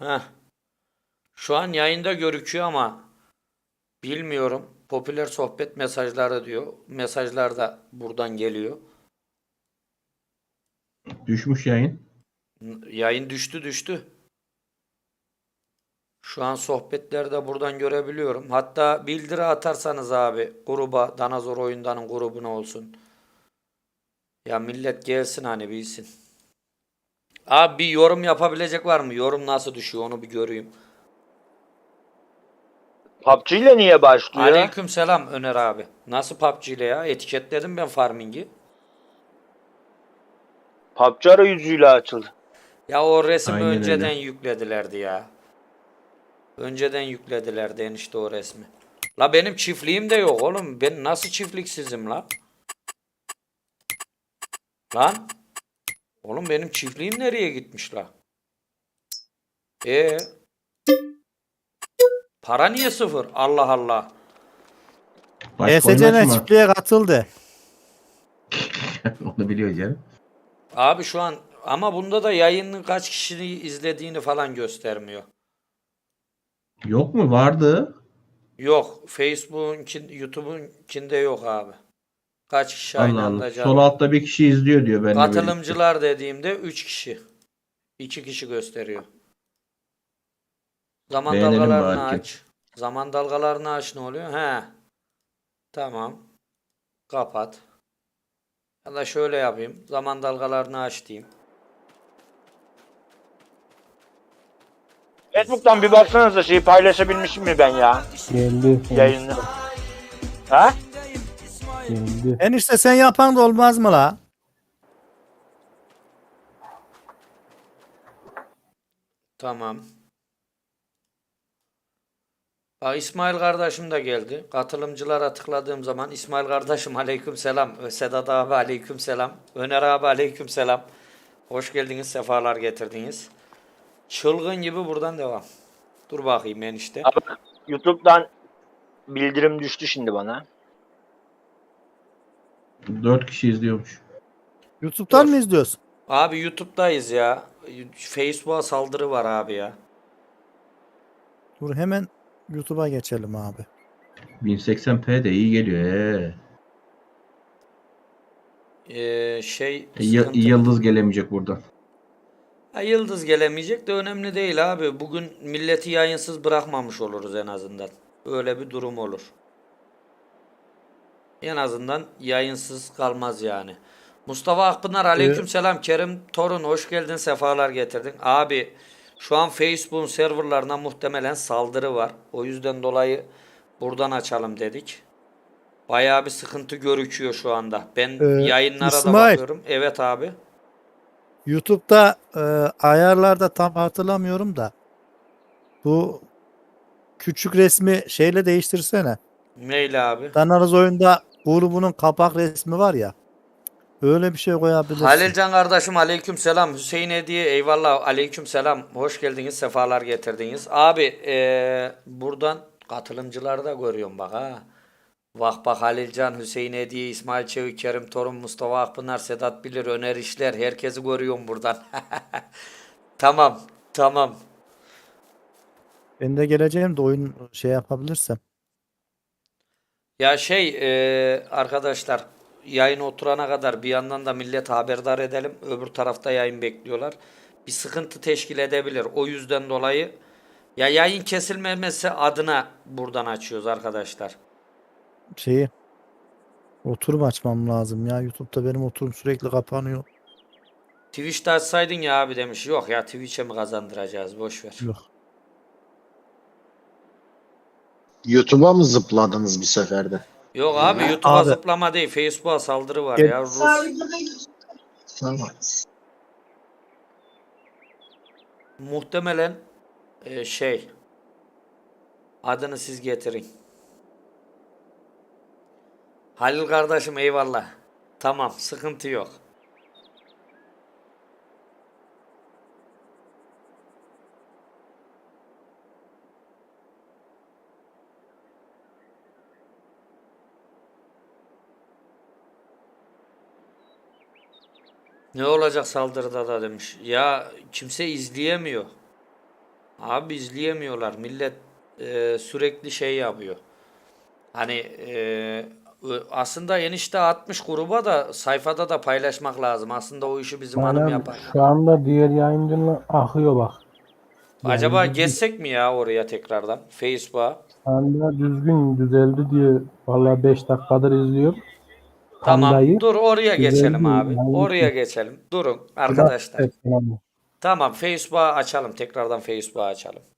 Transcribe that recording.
Heh. Şu an yayında görüküyor ama bilmiyorum. Popüler sohbet mesajları diyor. Mesajlar da buradan geliyor. Düşmüş yayın. Yayın düştü. Şu an sohbetleri de buradan görebiliyorum. Hatta bildiri atarsanız abi gruba, Danazor Oyundan'ın grubuna olsun. Ya millet gelsin hani bilsin. Abi bir yorum yapabilecek var mı? Yorum nasıl düşüyor onu bir göreyim. PUBG ile niye başlıyor? Aleyküm selam Öner abi. Nasıl PUBG ile ya? Etiketledim ben farming'i. PUBG arayüzüyle açıldı. Ya o resmi Aynen önceden öyle. yükledilerdi ya. Önceden yükledilerdi enişte o resmi. La benim çiftliğim de yok oğlum. Ben nasıl çiftliksizim la? Lan. Oğlum benim çiftliğim nereye gitmiş la? E para niye sıfır? Allah Allah. Başka oyun ESC'ne açma. çiftliğe katıldı. Onu biliyor canım. Abi şu an ama bunda da yayının kaç kişinin izlediğini falan göstermiyor. Yok mu? Vardı. Yok. Facebook'un, YouTube'unkinde yok abi. Kaç kişi aynı Allah Allah. anda Sol canlı. altta bir kişi izliyor diyor benimle birlikte. Katılımcılar dediğimde 3 kişi. 2 kişi gösteriyor. Zaman Beğenelim dalgalarını bari ki. aç. Zaman dalgalarını aç ne oluyor? He. Tamam. Kapat. Ya da şöyle yapayım. Zaman dalgalarını aç diyeyim. Facebook'tan bir baksanıza şeyi paylaşabilmişim mi ben ya? Geldi. Yayını. Ha? Geldi. Enişte sen yapan da olmaz mı la? Tamam. Bak İsmail kardeşim de geldi. Katılımcılara tıkladığım zaman İsmail kardeşim aleyküm selam. Sedat abi aleyküm selam. Öner abi aleyküm selam. Hoş geldiniz, sefalar getirdiniz. Çılgın gibi buradan devam. Dur bakayım enişte. Abi, YouTube'dan bildirim düştü şimdi bana. 4 kişi izliyormuş. YouTube'dan Dur. mı izliyorsun? Abi YouTube'dayız ya. Facebook'a saldırı var abi ya. Dur hemen YouTube'a geçelim abi. 1080p de iyi geliyor. Sıkıntı. Yıldız gelemeyecek buradan. Ha, yıldız gelemeyecek de önemli değil abi. Bugün milleti yayınsız bırakmamış oluruz en azından. Öyle bir durum olur. En azından yayınsız kalmaz yani. Mustafa Akpınar aleykümselam. Kerim Torun hoş geldin, sefalar getirdin. Abi şu an Facebook'un serverlarına muhtemelen saldırı var. O yüzden dolayı buradan açalım dedik. Bayağı bir sıkıntı görüküyor şu anda. Ben yayınlara da İsmail, bakıyorum. Evet abi. YouTube'da ayarlarda tam hatırlamıyorum da bu küçük resmi şeyle değiştirsene. Neyle abi? Danarız oyunda grubunun kapak resmi var ya. Öyle bir şey koyabilirsin. Halilcan kardeşim aleyküm selam. Hüseyin Hediye eyvallah aleyküm selam. Hoş geldiniz, sefalar getirdiniz. Abi buradan katılımcıları da görüyorum bak ha. Bak Halilcan, Hüseyin Hediye, İsmail Çevik, Kerim Torun, Mustafa Akpınar, Sedat Bilir, Öner İşler. Herkesi görüyorum buradan. Tamam. Ben de geleceğim de oyun şey yapabilirsem. Ya arkadaşlar yayın oturana kadar bir yandan da millet haberdar edelim. Öbür tarafta yayın bekliyorlar. Bir sıkıntı teşkil edebilir. O yüzden dolayı ya yayın kesilmemesi adına buradan açıyoruz arkadaşlar. Şeyi oturum açmam lazım ya. YouTube'da benim oturum sürekli kapanıyor. Twitch'te açsaydın ya abi demiş. Yok ya Twitch'e mi kazandıracağız? Boş ver. Yok. YouTube'a mı zıpladınız bir seferde? Yok abi YouTube'a Abi. zıplama değil. Facebook'a saldırı var Gel. ya. Rus. Tamam. Muhtemelen adını siz getirin. Halil kardeşim eyvallah. Tamam sıkıntı yok. Ne olacak saldırıda da demiş. Ya kimse izleyemiyor. Abi izleyemiyorlar. Millet sürekli şey yapıyor. Hani aslında enişte atmış gruba da sayfada da paylaşmak lazım. Aslında o işi bizim hanım Aynen yapar. şu anda diğer yayıncının akıyor bak. Acaba Yani geçsek mi ya oraya tekrardan? Facebook'a. şu anda düzgün düzeldi diye vallahi 5 dakikadır izliyor. Tamam. Pandayı Dur oraya geçelim düzeldi. abi. Yani Oraya geçelim. Durun Allah arkadaşlar. affetsin abi. Tamam Facebook'a açalım. Tekrardan Facebook'a açalım.